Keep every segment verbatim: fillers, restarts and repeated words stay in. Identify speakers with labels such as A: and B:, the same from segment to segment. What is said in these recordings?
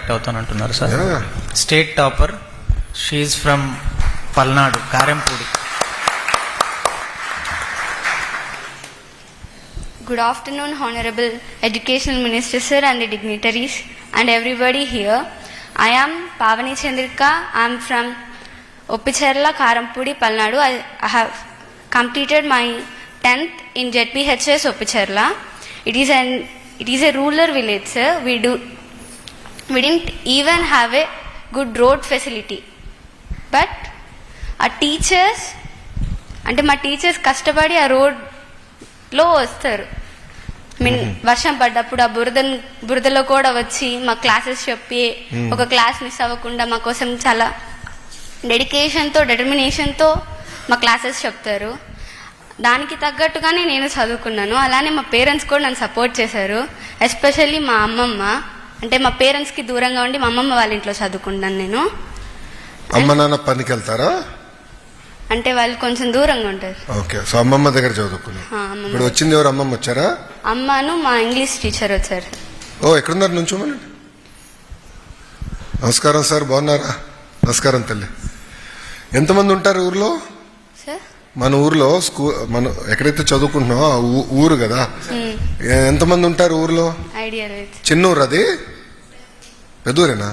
A: Select అవుతానంటున్నారు sir. State topper, she from Palnadu, Karempudi.
B: Good afternoon, Honorable Educational Minister Sir and the dignitaries and everybody here. I am Pavani Chandrika. I am from Oppicherla, Karampudi, Palnadu. I, I have completed my tenth in Z P H S Oppicherla. It is an it is a rural village, sir. We do we didn't even have a good road facility. But our teachers, అంటే మా teachers కష్టపడి ఆ road లో వస్తారు. Mean వర్షం పడ్డప్పుడు ఆ బురద బురదలో కూడా వచ్చి మా క్లాసెస్ చెప్పి ఒక క్లాస్ మిస్ అవ్వకుండా మా కోసం చాలా డెడికేషన్తో డెటర్మినేషన్తో మా క్లాసెస్ చెప్తారు. దానికి తగ్గట్టుగానే నేను చదువుకున్నాను. అలానే మా పేరెంట్స్ కూడా నన్ను సపోర్ట్ చేశారు. ఎస్పెషల్లీ మా అమ్మమ్మ, అంటే మా పేరెంట్స్కి దూరంగా ఉండి మా అమ్మమ్మ వాళ్ళ ఇంట్లో చదువుకుంటాను నేను.
C: అమ్మ నాన్న పనికి వెళ్తారా?
B: అంటే వాళ్ళు కొంచెం దూరంగా ఉంటారు.
C: ఓకే, సో అమ్మమ్మ దగ్గర చదువుకున్నా. ఇప్పుడు వచ్చింది ఎవరు? అమ్మమ్మ వచ్చారా?
B: అమ్మను మా ఇంగ్లీష్ టీచర్ వచ్చారు.
C: ఓ, ఎక్కడున్నారు? నుంచోమని. నమస్కారం సార్, బాగున్నారా? నమస్కారం తల్లి. ఎంతమంది ఉంటారు ఊర్లో?
B: సార్,
C: మన ఊర్లో స్కూల్, మనం ఎక్కడైతే చదువుకుంటున్నామో ఆ ఊరు కదా, ఎంతమంది ఉంటారు ఊర్లో?
B: ఐడియా.
C: చిన్న ఊరు అది? పెద్ద ఊరేనా?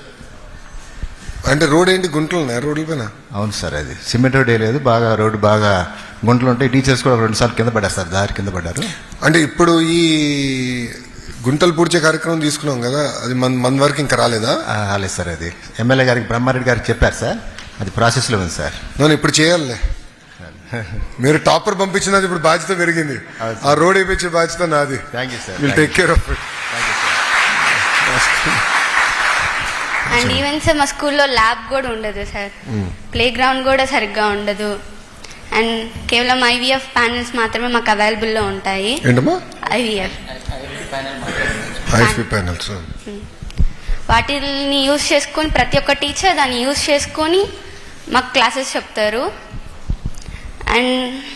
C: అంటే రోడ్ ఏంటి, గుంటలు ఉన్నాయి రోడ్ల పైన?
D: అవును సార్, అది సిమెంట్ రోడ్ లేదు, బాగా రోడ్డు బాగా గుంటలు ఉంటాయి. టీచర్స్ కూడా రెండు సార్లు కింద పడ్డారు సార్, దారి కింద పడ్డారు.
C: అంటే ఇప్పుడు ఈ గుంటలు పూడ్చే కార్యక్రమం తీసుకున్నాం కదా, అది మన మన వరకు ఇంకా రాలేదా?
D: రాలేదు సార్, అది ఎమ్మెల్యే గారికి బ్రహ్మారెడ్డి గారికి చెప్పారు సార్, అది ప్రాసెస్లో ఉంది సార్.
C: నేను ఇప్పుడు చేయాలే. మీరు టాపర్ పంపించినది ఇప్పుడు బాధ్యత పెరిగింది. ఆ రోడ్ వేయించే బాధ్యత నాది.
D: Thank you sir.
C: Will take care of it.
B: And even sir మా స్కూల్లో ల్యాబ్ కూడా ఉండదు సార్, ప్లే గ్రౌండ్ కూడా సరిగ్గా ఉండదు. అండ్ కేవలం ఐవీఎఫ్ ప్యానెల్స్ మాత్రమే మాకు అవైలబుల్లో ఉంటాయి.
C: ఏంటమ్మా?
B: IVF
C: IVF panels.
B: వాటిని యూజ్ చేసుకొని ప్రతి ఒక్క టీచర్ దాన్ని యూజ్ చేసుకొని మాకు క్లాసెస్ చెప్తారు. అండ్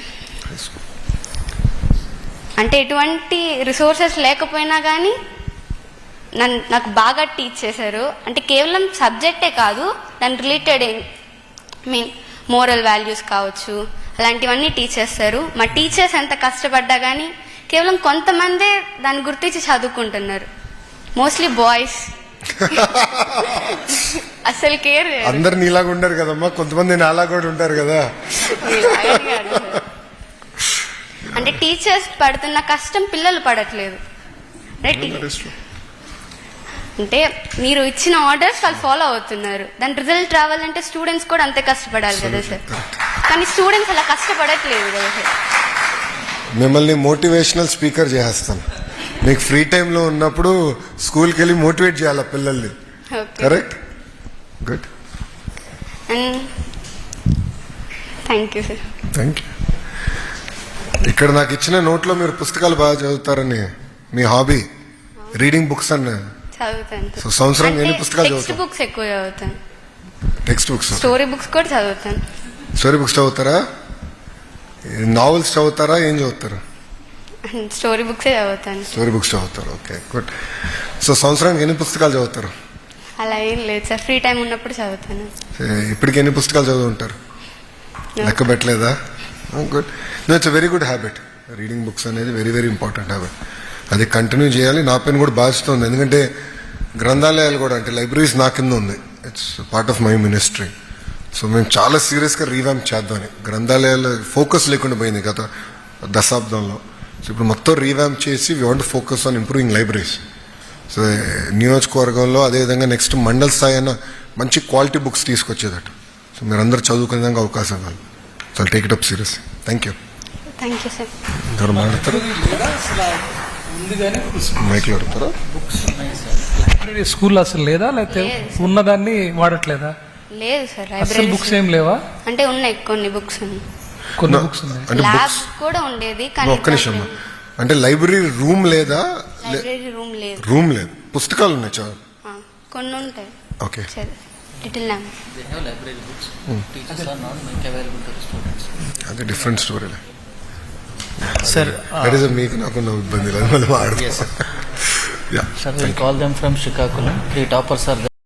B: అంటే ఎటువంటి రిసోర్సెస్ లేకపోయినా కానీ నన్ను నాకు బాగా టీచ్ చేశారు. అంటే కేవలం సబ్జెక్టే కాదు, దాని రిలేటెడ్ మీన్ మోరల్ వాల్యూస్ కావచ్చు, అలాంటివన్నీ టీచ్ చేస్తారు. మా టీచర్స్ ఎంత కష్టపడ్డా కానీ కేవలం కొంతమందే దాన్ని గుర్తించి చదువుకుంటున్నారు. మోస్ట్లీ బాయ్స్ అసలు కేర్.
C: అందరు నీలాగా ఉండరు కదమ్మా, కొంతమంది నాలా కూడా ఉంటారు కదా.
B: అంటే టీచర్స్ పడుతున్న కష్టం పిల్లలు పడట్లేదు. అంటే మీరు ఇచ్చిన ఆర్డర్స్ వాళ్ళు ఫాలో అవుతున్నారు, దాని రిజల్ట్ రావాలంటే స్టూడెంట్స్ కూడా అంతే కష్టపడాలి కదా సార్. కానీ స్టూడెంట్స్ అలా కష్టపడట్లేదు కదా సార్.
C: మిమ్మల్ని మోటివేషనల్ స్పీకర్ చేస్తాను. మీకు ఫ్రీ టైంలో ఉన్నప్పుడు స్కూల్కి వెళ్ళి మోటివేట్ చేయాలి పిల్లల్ని. Correct? Good.
B: And thank you sir.
C: Thank you. ఇక్కడ నాకు ఇచ్చిన నోట్లో మీరు పుస్తకాలు బాగా చదువుతారని, మీ హాబీ రీడింగ్ బుక్స్ అన్న
B: చదువుతాను.
C: సో సంవత్సరం ఎన్ని పుస్తకాలు చదువుతారు?
B: టెక్స్ట్ బుక్స్ ఎక్కువ చదువుతాను.
C: టెక్స్ట్ బుక్స్,
B: స్టోరీ బుక్స్ కూడా చదువుతాను.
C: స్టోరీ బుక్స్ చదువుతారా? నావెల్స్ చదువుతారా? ఏం చదువుతారు?
B: స్టోరీ బుక్సే చదువుతాను.
C: స్టోరీ బుక్స్ చదువుతారు. Okay, good. సో సంవత్సరానికి ఎన్ని పుస్తకాలు చదువుతారు?
B: అలా ఏం లేదు సార్, ఫ్రీ టైం ఉన్నప్పుడు చదువుతాను.
C: ఇప్పటికి ఎన్ని పుస్తకాలు చదువుంటారు? లెక్క పెట్టలేదా? Good. No, it's very good habit. Reading books అనేది వెరీ వెరీ ఇంపార్టెంట్ హ్యాబిట్. అది కంటిన్యూ చేయాలి. నా పైన కూడా బాధ్యత ఉంది, ఎందుకంటే గ్రంథాలయాలు కూడా, అంటే లైబ్రరీస్ నా కింద ఉంది. It's part of my ministry. So మేము చాలా సీరియస్గా రీవ్యాంప్ చేద్దామని. గ్రంథాలయాలు ఫోకస్ లేకుండా పోయింది గత దశాబ్దంలో. సో ఇప్పుడు మొత్తం రీవ్యాంప్ చేసి we want focus on improving libraries. So నియోజకవర్గంలో అదేవిధంగా నెక్స్ట్ మండల స్థాయి అయినా మంచి క్వాలిటీ బుక్స్ తీసుకొచ్చేదట. సో మీరు అందరూ చదువుకునే విధంగా అవకాశం కాదు. So take it up serious. Thank you.
B: Thank you sir.
C: ఎవరు మాట్లాడతారు? మైక్లో అడుగుతారా?
E: లైబ్రరీ స్కూల్ అసలు లేదా, లేకపోతే ఉన్నదాన్ని వాడట్లేదా?
B: లేదు సార్,
E: అసలు బుక్స్ ఏం లేవా?
B: అంటే ఉన్నాయి కొన్ని బుక్స్,
E: కొన్ని బుక్స్ ఉన్నాయి.
B: ల్యాబ్ కూడా ఉండేది కానీ.
C: ఒక్క నిమిషం, అంటే లైబ్రరీ రూమ్ లేదా?
B: లైబ్రరీ రూమ్ లేదు.
C: రూమ్ లేదు, పుస్తకాలు ఉన్నాయి చాలా,
B: కొన్ని ఉంటాయి.
C: ఓకే. అది డిఫరెంట్ స్టోరీ.
A: సార్
C: మీకు నాకున్న ఇబ్బంది లేదు, మళ్ళీ yeah
F: Sir, we'll call them from Srikakulam. Three toppers are there.